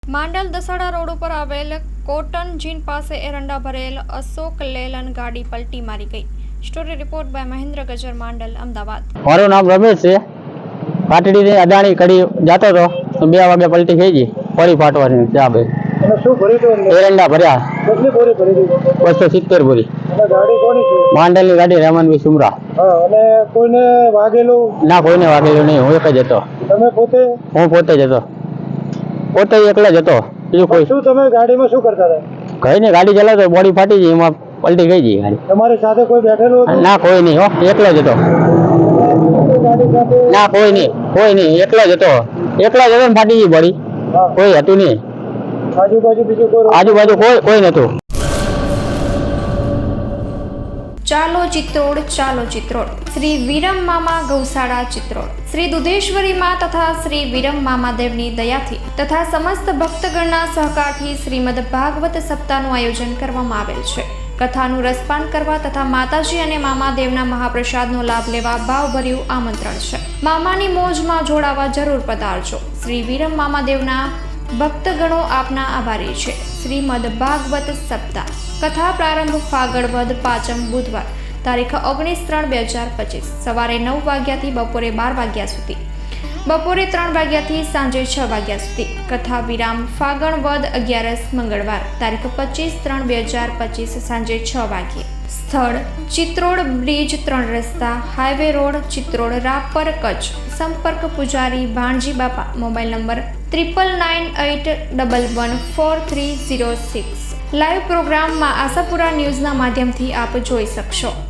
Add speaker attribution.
Speaker 1: Mandal Dasada road ઉપર આવેલ cotton જીન પાસે એરંડા ભરેલ અશોક લેલન ગાડી પલટી મારી ગઈ। Story report by Mahendra Gajar, Mandal, Ahmedabad.
Speaker 2: મારું નામ રમેશ છે। પાટડી થી અદાણી કડી જતો હતો તો 2 વાગે પલટી થઈ ગઈ, પડી ફાટવાની ચા બે
Speaker 3: શું ભર્યું તો
Speaker 2: એરંડા ભર્યા।
Speaker 3: કેટલી બોરી ભરી દીધી?
Speaker 2: 270 બોરી।
Speaker 3: અને ગાડી કોની છે?
Speaker 2: માંડલની ગાડી, રેમનભાઈ સુમરા।
Speaker 3: હા, અને કોઈને વાગેલું?
Speaker 2: ના, કોઈને વાગેલું નહીં, હું એક જ હતો।
Speaker 3: તમે પોતે?
Speaker 2: હું પોતે જ હતો, પોતે એકલા જ હતો, બીજું કોઈ।
Speaker 3: શું તમે ગાડીમાં શું કરતા હતા?
Speaker 2: કઈ નહીં, ગાડી ચલાવતો, બોડી ફાટી ગઈ, એમાં પલટી ગઈ ગઈ ગાડી।
Speaker 3: તમારી સાથે કોઈ બેઠેલું હતું?
Speaker 2: ના, કોઈ નહીં, હો, એકલો જ હતો।
Speaker 3: ગાડી સાથે?
Speaker 2: ના, કોઈ નહીં, એકલો જ હતો ને, ફાટી ગઈ બોડી,
Speaker 3: હા,
Speaker 2: કોઈ હતું નહીં
Speaker 3: આજુબાજુ બીજું કોઈ?
Speaker 2: આજુબાજુ કોઈ નતું।
Speaker 1: ચાલો ચિત્રોડ, ચાલો ચિત્રોડ। શ્રી વિરમ મામા ગૌશાળા ચિત્રોડ શ્રી દુધેશ્વરી માં તથા શ્રી વિરમ મામાદેવની દયાથી તથા સમસ્ત ભક્તગણના સહકારથી શ્રીમદ ભાગવત સપ્તાહનું આયોજન કરવામાં આવેલ છે। કથાનું રસપાન કરવા તથા માતાજી અને મામાદેવના મહાપ્રસાદનો લાભ લેવા ભાવભર્યું આમંત્રણ છે। મામાની મોજમાં જોડાવા જરૂર પધારજો। શ્રી વિરમ મામાદેવના ભક્તગણો આપના આભારી છે। શ્રીમદ ભાગવત સપ્તાહ કથા પ્રારંભ ફાગણ વદ 5મ બુધવાર તારીખ 19/3/2025 સવારે 9 વાગ્યાથી બપોરે 12 વાગ્યા સુધી, બપોરે 3 વાગ્યાથી સાંજે 6 વાગ્યા સુધી। કથા વિરામ ફાગણ વદ 11 મંગળવાર તારીખ 25/3/2025 સાંજે 6 વાગ્યે। સ્થળ ચિત્રોડ બ્રિજ 3 રસ્તા, હાઈવે રોડ, ચિત્રોડ, રાપર, કચ્છ। સંપર્ક પૂજારી ભાણજી બાપા, મોબાઈલ નંબર 9998114306। લાઈવ પ્રોગ્રામમાં આશાપુરા ન્યૂઝના માધ્યમથી આપ જોઈ શકશો।